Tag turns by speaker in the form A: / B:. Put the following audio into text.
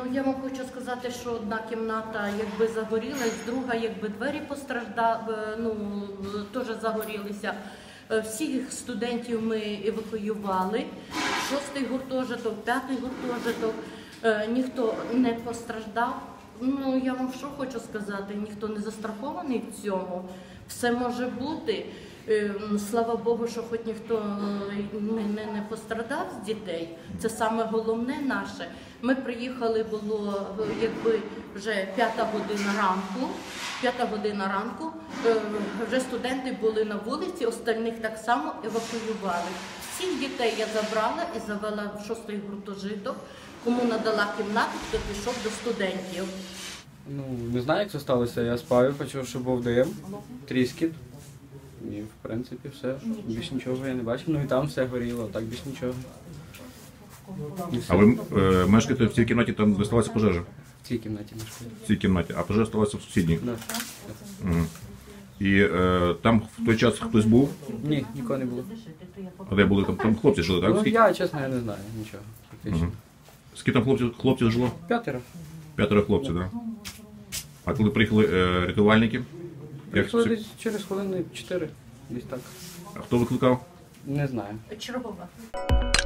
A: Я вам хочу сказати, що одна кімната якби загорілась, друга якби двері постраждали, теж загорілися. Всіх студентів ми евакуювали, 6-й гуртожиток, 5-й гуртожиток, ніхто не постраждав. Я вам що хочу сказати, ніхто не застрахований в цьому, все може бути. Слава Богу, що хоч ніхто не пострадав з дітей, це саме головне наше. Ми приїхали, було якби вже 5 година ранку, вже студенти були на вулиці, остальних так само евакуювали. Всіх дітей я забрала і завела в 6-й гуртожиток, кому надала кімнату, хто пішов до студентів.
B: Не знаю, як це сталося, я спав і почув, що був дим, тріскіт. І, в принципі, все. Більш нічого я не бачив. І там все горіло, так більш нічого.
C: А ви мешкаєте в цій кімнаті, там де сталася пожежа?
B: В цій кімнаті мешкаю.
C: В цій кімнаті, а пожежа сталася в сусідній?
B: Так.
C: І там в той час хтось був?
B: Ні, нікого не було.
C: А де були? Там хлопці жили, так?
B: Я, чесно, я не знаю нічого. Фактично.
C: Скільки там хлопців жило?
B: 5.
C: 5 хлопців, так? А коли приїхали рятувальники?
B: Приїхали десь через хвилини 4, десь так.
C: А хто викликав?
B: Не знаю.
A: Чергова.